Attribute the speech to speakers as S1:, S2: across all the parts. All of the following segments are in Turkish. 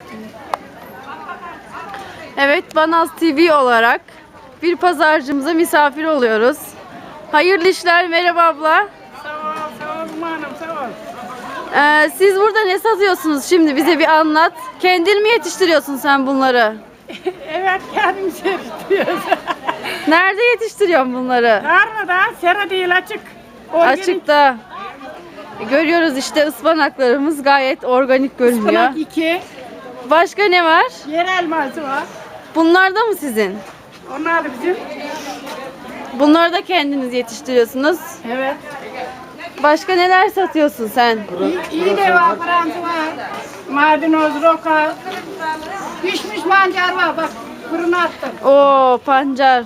S1: Evet, Banaz TV olarak bir pazarcımıza misafir oluyoruz. Hayırlı işler, merhaba abla.
S2: Sağ ol hanım, sağ ol.
S1: Siz burada ne satıyorsunuz şimdi, bize bir anlat. Kendin mi yetiştiriyorsun sen bunları?
S2: Evet, kendimiz yetiştiriyoruz.
S1: Nerede yetiştiriyorsun bunları?
S2: Tarlada, sera değil, açık. Organik
S1: Açıkta. Görüyoruz işte, ıspanaklarımız gayet organik görünüyor.
S2: ıspanak 2,
S1: Başka ne var?
S2: yer elması var.
S1: Bunlar da mı sizin?
S2: Onlar da bizim.
S1: Bunları da kendiniz yetiştiriyorsunuz.
S2: Evet.
S1: Başka neler satıyorsun sen?
S2: İyi de var, Fransa var. Maydanoz, roka. Pişmiş mancar var, bak fırına attım.
S1: Oo, pancar.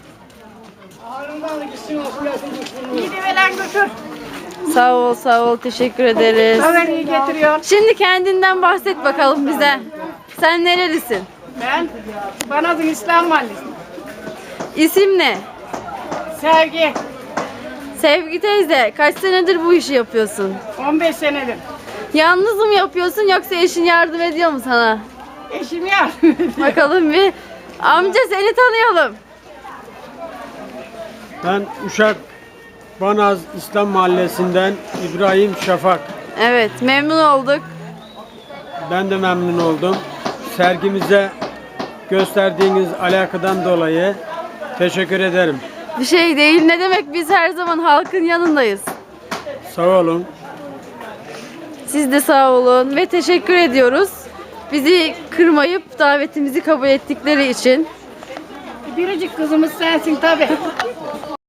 S2: İyi de veren götür.
S1: Sağ ol, sağ ol. Teşekkür ederiz.
S2: Haber'i getiriyor.
S1: Şimdi kendinden bahset bakalım bize. Sen nerelisin?
S2: Ben Banaz'ın İslam Mahallesi.
S1: İsim ne?
S2: Sevgi.
S1: Sevgi teyze, kaç senedir bu işi yapıyorsun?
S2: 15 senedir.
S1: Yalnız mı yapıyorsun yoksa eşin yardım ediyor mu sana?
S2: Eşim yardım ediyor.
S1: Bakalım bir. Amca, seni tanıyalım.
S3: Ben Uşak Banaz İslam Mahallesi'nden İbrahim Şafak.
S1: Evet, memnun olduk.
S3: Ben de memnun oldum. Sergimize gösterdiğiniz alakadan dolayı teşekkür ederim.
S1: Bir şey değil, ne demek, biz her zaman halkın yanındayız.
S3: Sağ olun.
S1: Siz de sağ olun ve teşekkür ediyoruz. Bizi kırmayıp davetimizi kabul ettikleri için.
S2: Biricik kızımız sensin tabii.